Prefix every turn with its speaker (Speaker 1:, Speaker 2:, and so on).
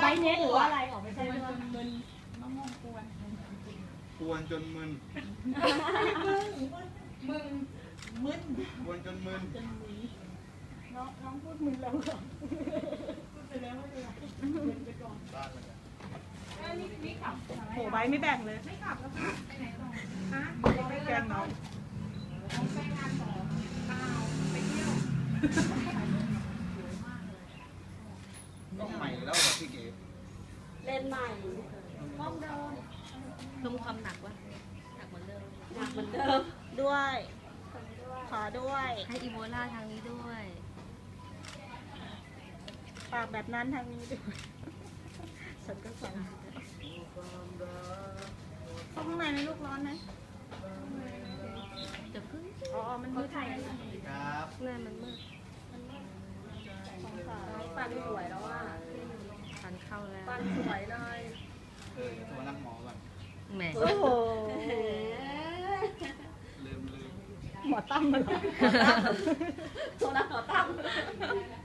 Speaker 1: ช้เน็ตหรือว่าอะไรออกไม่ใช่มึนมะม่วงกวน
Speaker 2: จนมึน
Speaker 1: มึน
Speaker 2: กวนจนมึน
Speaker 1: น้องพูดมึนแล้วเหรอพูดไปแล้วไม่เป็นไรมึนไปก่อนบ้านเลยนี่ขับโหใบไม่แบ่งเลยไม่ขับแล้วไปไหนต่อฮะไปแกงน้องไปงานต่อเปล่าไปเที่ยว
Speaker 2: ต้องใหม่แล้วพี่เก๋
Speaker 3: เล่นใหม่
Speaker 1: ห้องเดิม
Speaker 3: เพิ่มความหนักวะหนักเหมือนเดิม
Speaker 1: ด้วยขอด้วย
Speaker 3: ให้อีโบลาทางนี้ด้วย
Speaker 1: ปากแบบนั้นทางนี้ด้วยฉันก็สั่งเข้าข้างในในลูกร้อนไหม
Speaker 3: เดี๋ยวพึ่ง
Speaker 1: อ๋อมันมืดไทย
Speaker 2: ครับ
Speaker 3: เงื่อนมันมืด
Speaker 1: ปันสวยแล้วว่า
Speaker 3: ปันเข้าแล้ว
Speaker 1: ปันสวยเลย
Speaker 2: ตัวนักหมอก่อน
Speaker 3: แหม
Speaker 1: โอ้โห
Speaker 2: ลืม
Speaker 1: หมอตั้มมาหรอ
Speaker 3: โซล่าหมอตั้ม